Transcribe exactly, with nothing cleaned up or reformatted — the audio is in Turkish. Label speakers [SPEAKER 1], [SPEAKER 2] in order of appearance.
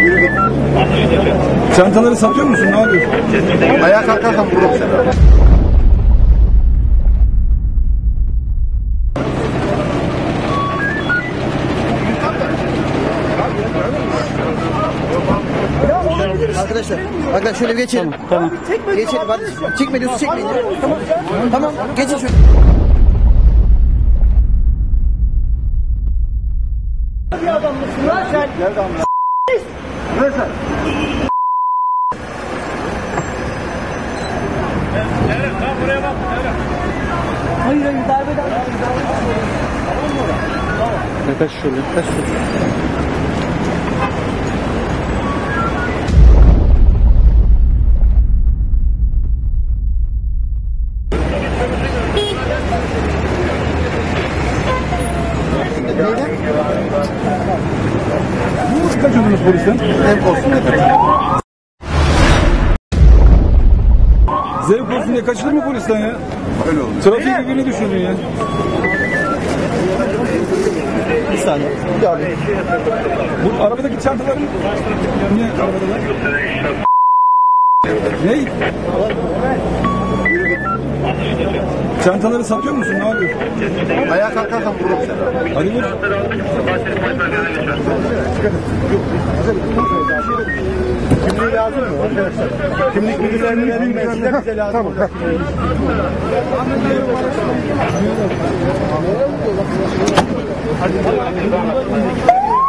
[SPEAKER 1] Çantaları satıyor musun? Ne yapıyorsun?
[SPEAKER 2] Ayağa kalkarsan vururum seni.
[SPEAKER 3] Arkadaşlar, arkadaşlar şöyle bir geçelim. Tamam. Tamam. Geçelim hadi. Çekme diyorsun, çekmeyin. Tamam. Tamam. Geçin şöyle.
[SPEAKER 4] Bir adam mısın lan sen?
[SPEAKER 2] Nerede amına? Nerede?
[SPEAKER 4] Evet, tamam buraya bak. Evet. Hayır hayır darbeden. Tamam mı? Tamam.
[SPEAKER 3] Kaç şöyle, kaç şöyle.
[SPEAKER 1] Nasıl kaçıyordunuz polisten?
[SPEAKER 2] Zevk olsun dedim.
[SPEAKER 1] Zevk olsun diye kaçılır mı polisten ya?
[SPEAKER 2] Öyle oldu.
[SPEAKER 1] Trafiği birbirine düşürdün ya.
[SPEAKER 3] Bir saniye. Bir daha bir.
[SPEAKER 1] Bu arabadaki çantaların niye arabadalar? Ne? Çantaları satıyor musun? Ne yapıyorsun?
[SPEAKER 2] Ayağa kalkarsan vururum seni.
[SPEAKER 1] Hadi vur.
[SPEAKER 2] Kimliği lazım mı arkadaşlar? Kimlik bilgilerini vereyim mi? Bize lazım. Tamam.